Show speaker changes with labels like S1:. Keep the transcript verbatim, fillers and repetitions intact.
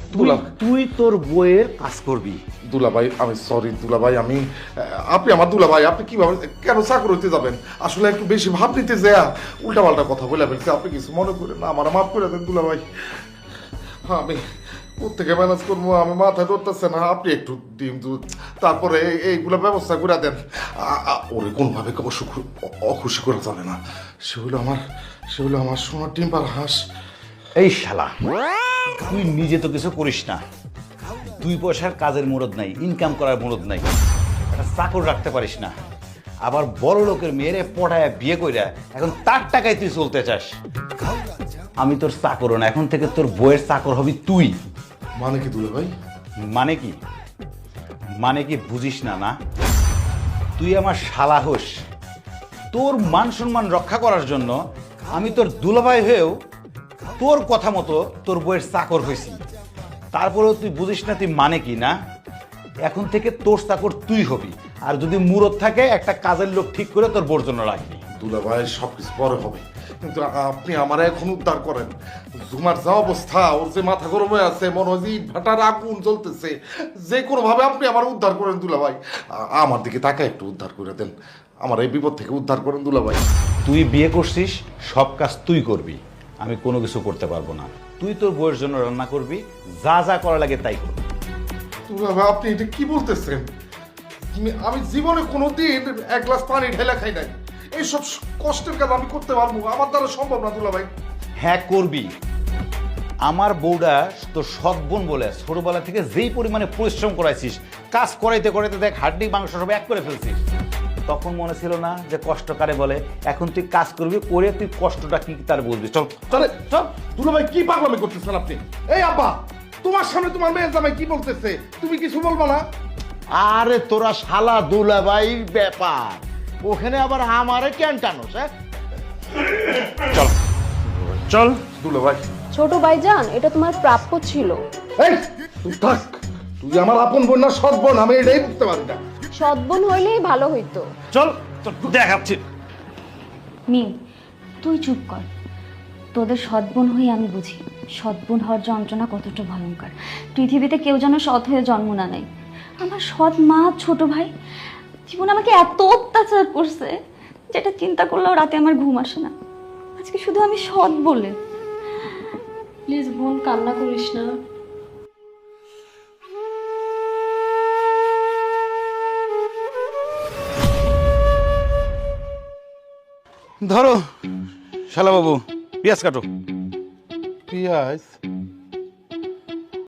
S1: তুই তোর বইয়ের কাজ করবি।
S2: দুলাভাই আমি সরি দুলাভাই, আমি আপনি আমার দুলাভাই, আপনি কিভাবে কেন চাকর হইতে যাবেন? আসলে একটু বেশি ভাব নিতে যায় উল্টা পাল্টা কথা বলে ফেলছে। আপনি কিছু মনে করেন না, আমার মাফ করে দেন দুলাভাই। হ্যাঁ আমি কোথেকে ম্যানেজ করবো, আমি মাথায় ধরতেছে না। আপনি একটু ডিম দুধ তারপরে এইগুলো ব্যবস্থা করে দেন। ওরে কোনোভাবে অবশ্য অখুশি করা যাবে না। সে হলো আমার সে হলো আমার সোনার ডিম পার হাঁস।
S1: এই শালা, তুই নিজে তো কিছু করিস না, দুই পয়সার কাজের মুরদ নাই, ইনকাম করার মুরদ নাই, একটা চাকর রাখতে পারিস না, আবার বড় লোকের মেয়েরে পড়ায় বিয়ে কইরা এখন তার টাকায় তুই চলতে চাস। আমি তোর চাকর না, এখন থেকে তোর বইয়ের চাকর হবি তুই।
S2: মানে কি দুলাভাই?
S1: মানে কি মানে কি বুঝিস না? না, তুই আমার শালা হোস, তোর মান সম্মান রক্ষা করার জন্য আমি তোর দুলাভাই হয়েও তোর কথা মতো তোর বইয়ের চাকর হয়েছি। তারপরেও তুই বুঝিস না তুই মানে কি? না, এখন থেকে তোর চাকর তুই হবি, আর যদি মুরত থাকে একটা কাজের লোক ঠিক করে তোর বোর জন্য রাখবি।
S2: দুলাভাই সবকিছু পরে হবে, কিন্তু আপনি আমার এখন উদ্ধার করেন। জুমার যা অবস্থা, ওর যে মাথা গরম হয়ে আছে, মনে হয় যে ইট ভাটার আগুন জ্বলতেছে, যে কোনো ভাবে আপনি আমার উদ্ধার করেন দুলাভাই। আমার দিকে তাকে একটু উদ্ধার করে দেন, আমার এই বিপদ থেকে উদ্ধার করেন দুলাভাই।
S1: তুই বিয়ে করছিস, সব কাজ তুই করবি, আমি কোনো কিছু করতে পারবো না। তুই তোর বউয়ের জন্য রান্না করবি, যা যা করা লাগে তাই করবি।
S2: দুলাভাই আপনি এটা কি বলতেছেন? আমি জীবনে কোনোদিন এক গ্লাস পানি ঢেলা খাই নাই, এইসব কষ্টের কাজ আমি করতে পারবো? আমার দ্বারা সম্ভব না দুলাভাই।
S1: হ্যাঁ করবি। আমার বউটা তোর সৎ বোন বলে ছোটবেলা থেকে যেই পরিমাণে পরিশ্রম করাইছিস, কাজ করাইতে করাইতে দেখ হাড্ডি মাংস সব এক করে ফেলছিস। তখন মনে ছিল না যে কষ্ট কারে বলে? এখন তুই কাজ করবি, করে তুই কষ্টটা কি তার বুঝবি। চল
S2: চলে চল। দুলাভাই কি পাগলামি করতেছেন আপনি? এই আব্বা, তোমার সামনে তোমার মেয়ের জামাই কি বলতেছে, তুমি কিছু বলবা না?
S3: আরে তোরা শালা দুলাভাই ব্যাপার, ওখানে আবার আমারে কেন টানোস? হ্যাঁ
S1: চল চল।
S2: দুলাভাই
S4: ছোট ভাইজান, এটা তোমার প্রাপ্য ছিল।
S2: এই তুই থাক, তুই আমার আপন বোন না সৎ বোন, আমি এটাই বুঝতে পারি না।
S4: সদ্বোন হইলেই ভালো হইতো।
S1: চল তোর দেখাচ্ছি।
S5: মিম, তুই চুপ কর। তোদের সৎবোন হয়ে আমি বুঝি সৎবোন হওয়ার যন্ত্রণা কতটা ভয়ঙ্কর। পৃথিবীতে কেউ যেন সৎ হয়ে জন্ম না নেয়। আমার সৎ মা, ছোট ভাই জীবন আমাকে এত অত্যাচার করছে, যেটা চিন্তা করলেও রাতে আমার ঘুম আসে না। আজকে শুধু আমি সৎ বলে।
S4: প্লিজ বোন, কান্না করিস না।
S1: ধরো শালা বাবু, পেঁয়াজ কাটো।
S2: পিয়াজ?